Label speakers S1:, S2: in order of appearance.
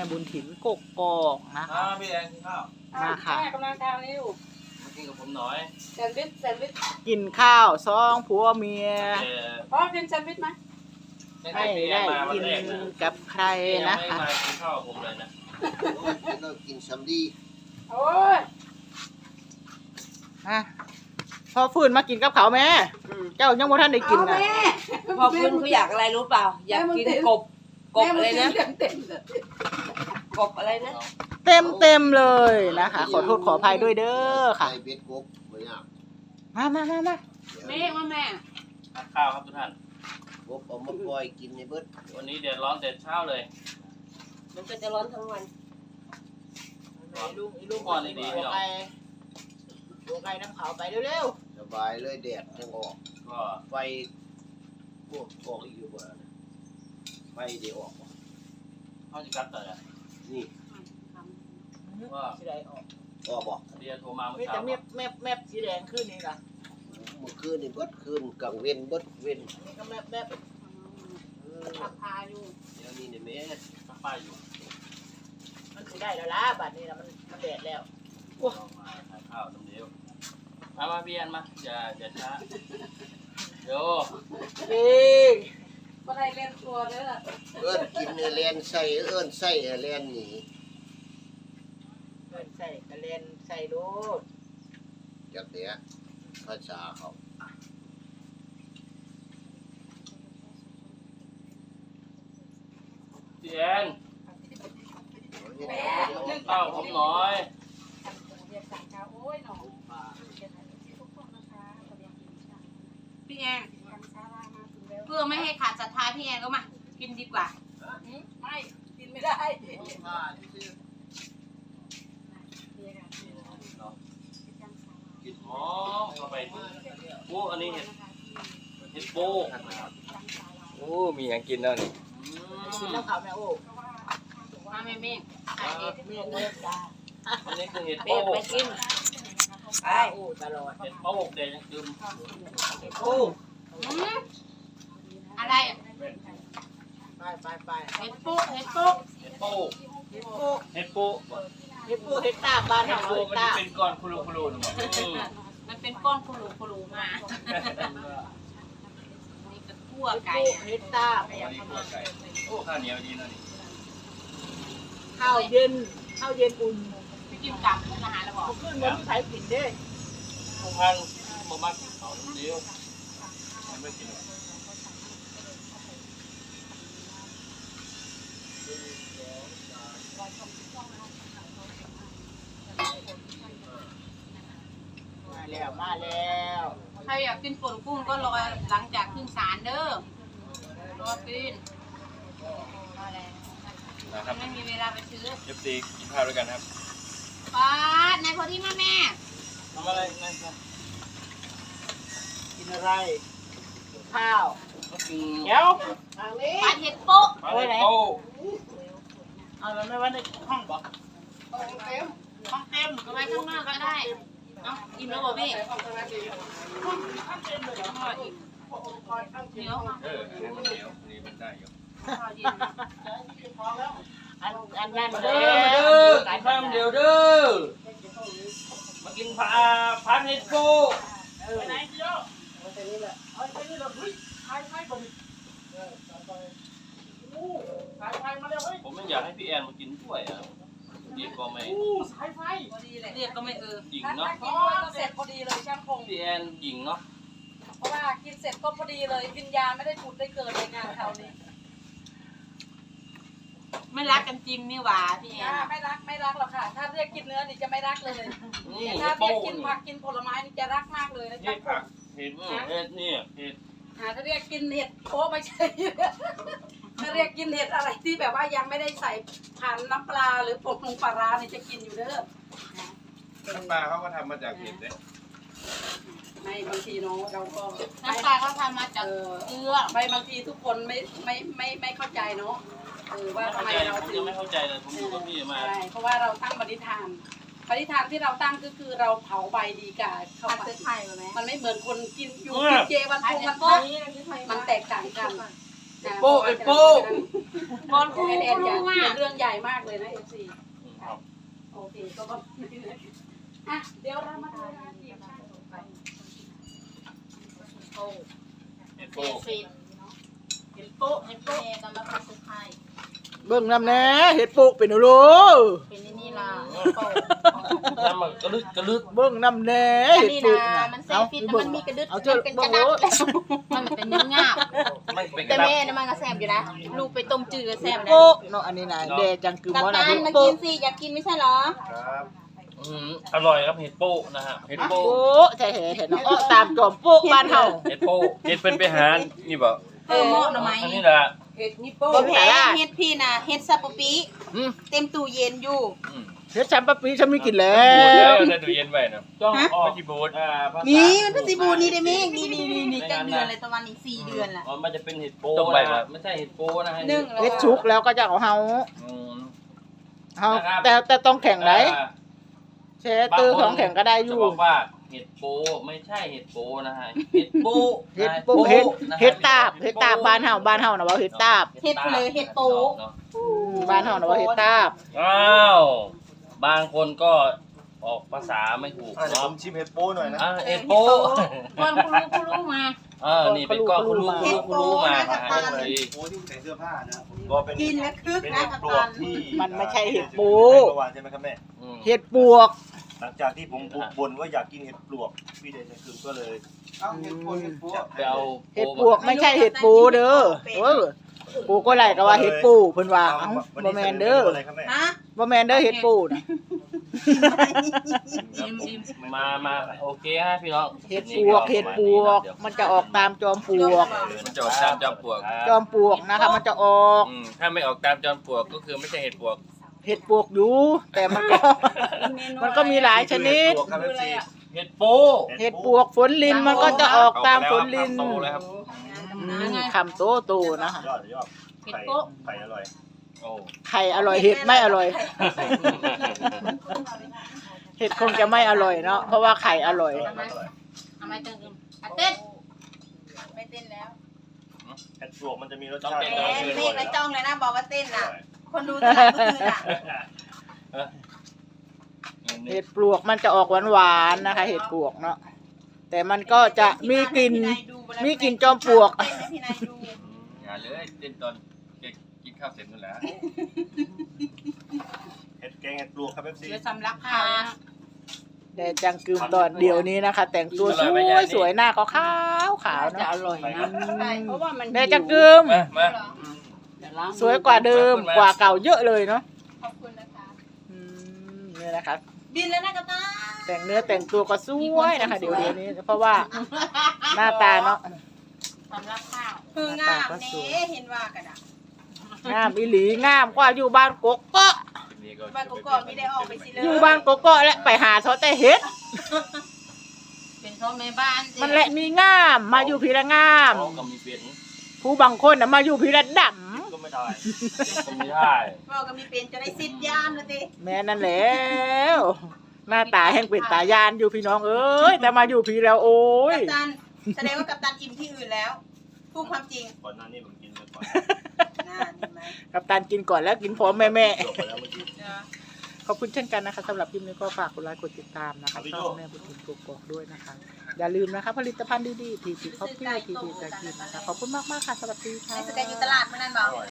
S1: บุญถิ่นกกอกนะคะ
S2: พี่แอนกินข้าว
S1: มาค่ะ
S3: กำลังทานนี่อยู่
S2: มากินกับผมหน่อย
S3: แซนด์วิช
S1: กินข้าวซองผัวเมีย
S3: พ่อกินแซนด์วิชไหม
S1: ให้ได้กินกับใคร
S2: นะ
S1: นะคะ
S2: ไม่มากินข้าวกับผมเลยนะ
S4: เรากินซัมดี
S3: โอ้ย
S1: อ่ะพอฟื้นมากินกับเขาวแม่เจ้ายังบ่ทันได้กินนะ
S5: พอคุณเขาอยากอะไรรู้เปล่า อยากกินกบอะไรนะ
S3: เต็มเลย
S5: กบอะไรนะ
S1: เต็มเลยนะคะ ขอโทษขออภัยด้วยเด้อค่ะ
S4: ใส่เบ็ดกบไม่ยาก
S1: มา
S3: แม่ว่าแม่
S2: ทานข้าวครับทุกท่าน
S4: กบเอามาปล่อยกินในเบิด
S2: วันนี้แดดร้อนแต่เช้าเลย
S5: มันก็จะร้อนทั้งวัน
S1: ลูกก่อนดีๆพี่น้องตัวไก่น้ำขาวไปเร็ว
S4: สบายเลยแดดจังออก
S2: ก็
S4: ไฟพวกออกอีกอยู่บ่นะไฟเดี๋ยวออกบ่
S2: เข้าจะกัดแต่ละ
S4: นี่
S1: ๆ
S2: ว่า
S1: สีแดงออก
S4: ออกบ่
S2: เดียโทรมาเมื่
S1: มี
S2: อเช้า
S1: แต่แมบสีแดงขึ้นนี่ล่ะ
S4: เมื่อคืนนี่เบิดคืนกลางเว้นเบิดเว้น
S1: นี่ก็แมบ
S3: ขับพาอยู่
S4: เดี๋ยวนี้นี่แม่
S2: ข้าวป้ายอยู่
S1: มันสิได้แล้วล่ะบัดนี้นะมันแดดแล้ว
S2: เรามาทานข้าวน้ำเดียวมาพี่แอนมาอย่าช้าเดี๋ยว
S1: เอ้ย
S3: ก็ได้เล่นตัวเด้อ
S4: เอิ้นกินแลนใส่เอิ้นใส่แลนนี่
S1: ใส่กระเลนใส่โลด
S4: จักเนี้ยภาษาเขา
S2: พี่แอนข้าวผมหน่อย
S3: เรียกสั่งข้าวโอ้ยหนอพี่แอนเพื่อไม่ให้ขาดศรัทธาพี่แอนก็มากินดีกว่าไม่กินไม่ได้
S2: กินหอมเข้าไปโอ้อันนี้เห็ดโป้
S6: โอ้ มีอย่างกินแล้วนี่
S1: กินแล้วขาวแม่โอ้
S3: มาแม่
S1: เมียเลิกจ้า
S2: อันนี้คือเห็ด
S5: เป๊
S2: โป้
S5: ไปกินไป
S1: โอ้ตลอด
S2: เห็ดโป้เดยังดื่ม
S1: โอ้
S3: อะไร
S1: ไป
S3: เห็ดปุ๊เห็ดปุ๊
S2: เห็ดโป้
S1: เฮ็ดโป้
S2: เห็ดโป้
S1: เฮ็ดโป้เฮ็ดตาบ้าน
S2: เห็ด
S1: เฮา
S2: โป้
S1: เฮ็ด
S2: มัน
S1: ตา
S2: จะเป็นก้อนคุรุๆหนึ่ง
S3: มันเป็นก้อนคุรูมานี่ก็คั่วไก่
S1: เฮ็ดตา
S2: โอ้ข้าวเหนียวดีนะนี่
S1: ข้าวเย็นอุ่น
S3: ไปกินกับอาหารแล้วบอก
S1: ขึ้นมันมีใครกินเด้
S2: ทุกท่านมามักเอาเดียวไม่กิน
S1: มาแล้ว
S3: ใครอยากกินป่นกุ้งก็รอหลังจากขึ้นศาลเด้อรอกินมาแล้ว
S2: นะครับ
S3: ไม่มีเวลาไปซื้อ
S2: FC กินข้าวด้วยกันครับ
S3: ป้านายพอที่แม่
S2: ทำอะไรนะ
S1: กินอะไรข้าว
S2: กิน
S1: เดี๋ยวทางนี้
S3: ปาเห็ดโป๊ะ
S2: ปลาเห็ดโป้
S1: เอาแล้วไม่ว่าในห้องบ่
S3: ห้องเต็มก็ไว้ข้างนอกก็ได้เอ้าอิ่มแล้วบอกพี่เดี๋ยวมา
S6: อันนี้มันเหนียวอันนี้มันได้อยู่
S3: ข้าวเย็น
S1: อันนั้น
S2: เด้อกินข้าวเดียวเด้อมากินผัดเห็ดโป้
S1: ไปไหนเดียวไปนี่แหละเอาไปนี่แหละเฮ้ยไทยบ่ดิไฟมาแล้วเฮ้ย
S2: ผมไม่อยากให้พี่แอนมากินด้วยอ่ะดีก็ไม่
S1: สายไฟ
S3: พอดีเลยเรียกก็ไม่
S2: หญิง
S3: ถ้า
S2: เนาะ
S3: กินด้วยก็เสร็จพอดีเลยช่างพง
S2: พี่แอนหญิงเนาะ
S3: เพราะว่ากินเสร็จก็พอดีเลยวิญญาณไม่ได้ผุดได้เกิดในงานคราวนี้ไม่รักกันจริงนี่หว่าพี่แอนไม่รักหรอกค่ะ ถ้าเรียกกินเนื้อนี่จะไม่รักเลย
S2: นี่
S3: ถ้า
S2: เห็ด
S3: เรี
S2: โป้
S3: ยกกินผักกินผลไม้นี่จะรักมากเลยนะ
S2: เห็
S3: จ๊ะ
S2: ดผักเห็ดเห็ดนี่เห็ด
S3: ถ้าเรียกกินเห็ดโอ้ไม่ใช่ ถ้าเรียกกินเห็ดอะไรที่แบบว่ายังไม่ได้ใส่ผ่านน้ำปลาหรือผงปลาร้านี่จะกินอยู่เด้อ
S6: น้ำปลาเขาก็ทำมาจากเห็ดเนี่ย
S3: ไม่บางทีเนาะเราก็
S5: น้ำปลาเขาทำมาจาก
S3: เกลือไม่บางทีทุกคนไม่เข้าใจเนาะว่าทำไมเรา
S2: ผม
S3: ถึ
S2: ยัง
S3: ง
S2: ไม่เข้าใจเลยผมอยู่กับพี่มา
S3: ใช่เพราะว่าเราตั้งปณิธานที่เราตั้งก็คือเราเผาใบดีกาเข้าไปมันไม่เหมือนคนกินอยู่กินเจวันพงมันพระมันแตกต่างกัน
S2: โป้ไอ้โป้
S3: บอลคูแอนจะเป็นเรื่องใหญ่มากเลยนะ FC
S2: ครับ
S3: โอเคก็บอกอ่ะเดี๋ยวเรามาดูนะทีมชาติต่อไป
S2: ไอ้โป้
S3: เห็นโป๊ะเห็นโป๊ะกำลังสุดท้าย
S1: เบิ่งน้ำแน่เห็ดปุกเป็นโล
S3: เป็นนี่ล่ะโป๊ะ
S2: น้ำมันกระลึกกระลึก
S1: เบิ่งน้ำแน่เห็ด
S3: นี่
S1: ปุก
S3: นะ
S1: นะ
S3: มันเซฟิตมันมีกระดึ๊ด
S1: เอา
S3: มัน
S1: เจ้า
S3: เป็นก
S1: เบิ่
S3: ระ
S1: ง
S3: ดั
S1: โล
S3: บมันเป็นเนื้องาบ
S2: ไม่เป็นก
S3: แต่
S2: ระดับ
S3: แม่น่ะมันก็แซ่บอยู่นะลูกไปต้มจืดก็แซ่บนะ
S1: โป๊ะเนาะอันนี้นะแดจังคือ
S3: กับ
S1: ว่านะ
S3: ตาล
S1: เห็ด
S3: มา
S1: ปุ
S3: กิ
S1: ก
S3: นสิอยากกินไม่ใช่เหรอ
S6: ครับ
S2: อร่อยครับเห็ดโป้นะฮะเห็ดโป้
S1: โป๊ะแท้ๆเห็ดเนาะอ้อตามจอมโป๊ะบ้านเฮา
S2: เห็ดโป้เห็ดเป็นไปหานี่บ่
S3: เออเหมาะหน่อไม้
S2: อันนี้แหละ
S5: เห็ดนิโป้
S3: บ่แพ้เฮ็ดพี่น่ะเฮ็ดซาปะปิ
S1: อืม
S3: เต็มตู้เย็นอยู่
S2: อืม
S1: เฮ็ดฉันปะปีฉันไม่กินแล้
S2: บูดแล้ว
S1: ว
S2: ได้ดูเย็นไว้นะจ้องออกไม่จีบูด
S3: นี่มันเป็นสีบูนี่ได้ไหมนี่จังเดือนเลยประมาณอีก4เดือนล่ะ
S2: อ๋อมันจะเป็นเห็ดโป้นะฮะไม่ใช่เห็ดโป้นะฮะ
S3: นึ่งแล้ว
S1: เฮ็ดชุกแล้วก็จะเอาเฮา
S2: อืม
S1: เฮา
S2: นะครับ
S1: แต่ต้องแข่งไหนแช่ตื้อของแข่งก็ได้อ
S2: จะ
S1: ยู่
S2: บอกว่าเห็ดโป้ไม่ใช่เห็ดโป้นะฮะเห็ดโป้
S1: เฮ็ดปุกเฮ็ดเฮ็ดตาบเฮ็ดตาบบ้านเฮานะว่าเฮ็ดตาบ
S3: เฮ็ดเลยเฮ็ดโต
S1: บ้านเฮานะว่าเฮ็ดตาบ
S2: อ้าวบางคนก็ออกภาษาไม่ถูก
S6: เดี๋ยวผ
S2: เนาะ
S6: มชิมเห็ดโป้หน่อยนะ
S2: เห็ดโป้
S3: ก่อนคุณรู้มา
S2: นี่เป็นก้อนคุณรู้มาฮะ
S6: เห็ดโป้ที่ใส่เสื้อผ้านะก็เป็น
S3: กินแล้วคึก
S6: เป็น
S3: นะ
S6: เห็ด
S3: กับ
S6: ปลว
S3: ตั
S6: ก
S3: น
S6: ที่
S1: มันไม่ใช่เห็ดปู
S6: เมื่อวานใช่ไหมครับแม่
S1: เห็ดปวก
S6: หลังจากที่ผมบ่นว่าอยากกินเห็ดปลวกพี่เดชคือก็เลย
S2: ไปเอา
S1: เห็ดปวกไม่ใช่เห็ดปูเด้อปูก็ไหลก็ว่าเห็ดปูเพิ่นว่าเอ้าบ่แม่นเด้อ
S6: อะไรครับแม่
S3: ฮะ
S1: บ่แม่นเด้อเห็ดปูน่ะ
S2: มาโอเคฮะพี่น้อง
S1: เห็ดปวกมันจะออกตามจอมปลวก
S2: มันจะออกตามจอมปลวก
S1: จอมปลวกนะคะมันจะออก
S2: ถ้าไม่ออกตามจอมปลวกก็คือไม่ใช่เห็ดปวก
S1: เห็ดปวกอยู่แต่มันก็มีหลายชนิด
S6: ปลวกครับ FC
S2: เห็ดโป้
S1: เห็ดปวกฝนลินมันก็จะออกตามฝนลิน
S2: โตแล้วครับ
S1: คำโตๆนะคะ
S6: ยอดไข่อร่อย
S2: โอ้
S1: ไข่อร่อยเห็ดไม่อร่อย เห็ดคงจะไม่อร่อยเนาะเพราะว่าไข่อร่อย
S3: ทำไมตึงเต้นไม่เต้นแล้ว
S6: เห็ดปลวกมันจะมีรสชาติ
S3: เมฆไปจ้องเลยนะบอกว่าเต้นน่ะคนดูตลาดก็คือน่ะ
S1: เห็ดปลวกมันจะออกหวานๆนะคะ เห็ดปลวกเนาะแต่มันก็จะมีกลิ่นจอมปลวก
S3: เต้นให้พี่นายดู
S2: อย่าเลยเต้นตอนกินข้าวเสร็จนั่นแหละ
S6: เห็ดแกงเห็ดปลวกครับ FC
S3: เดี๋ยวสำลักข้าวนะ
S1: แต่จังกึมตอนเดียวนี้นะคะ แต่งตัวสวยๆหน้าก็ขาวๆ
S5: จะ
S1: เนาะ
S5: อร่อยนะ
S3: เพราะว่ามัน
S1: แต่จังกึม
S2: มา
S1: สวยกว่าเดิมกว่าเก่าเยอะเลยเนาะ
S3: ขอบคุณนะคะ
S1: นี่นะคะ
S3: บินแล้วนะกับตา
S1: แต่งเนื้อแต่งตัวก็สวยนะคะ เดี๋ยวนี้เพราะว่าหน้าตาเนาะ
S3: สำลักข้าวคืองามเน่เห็นว่ากันอ่ะ
S1: งามอีหลีงามกว่าอยู่บ้านกกเกาะ
S3: บ้านกอกไม่ได้ออกไปสิเลย
S1: อยู่บ้านกกเกาะและไปหาเขาแต่เฮ็ด
S3: เป็นพ่อแม่บ้าน
S1: มันแหละมีงามมาอยู่พีละงาม
S2: ก็มีเปลี่ยน
S1: ผู้บางคนน่ะมาอยู่พีละด
S6: ก็ไม่ได้
S2: ก็ไม่ได้
S3: พ่อก็มีเป็นจะได้สิทธิ์ยานเลยดิ
S1: ำแม่นั่นแล้วหน้าตาแห่งเป็นตายานอยู่พี่น้องเอ้ยแต่มาอยู่พีแล้วโอ้ย
S3: กัปตันแสดงว่ากัปตันอิ่มที่อื่นแล้วพูดความจริง
S6: ก่อนหน้านี้ผมกินไปก่อน
S3: น่าเห็นไหม
S1: กับตันกินก่อนแล้วกินพร้อมแม่
S6: จบไปแล้วเมื่อกี้
S1: ขอบคุณเช่นกันนะคะสำหรับคลิปนี้ก็ฝากกดไลค์กดติดตามนะคะช่องแม่บุญถิ่นกกอกด้วยนะคะอย่าลืมนะคะผลิตภัณฑ์ดีๆทีทีคอฟฟี่ทีทีจะกินนะคะขอบคุณมากๆค่ะสวัสดีค่ะ
S3: ไอ้สแกนอยู่ตลาดเมื่อนั้นบอก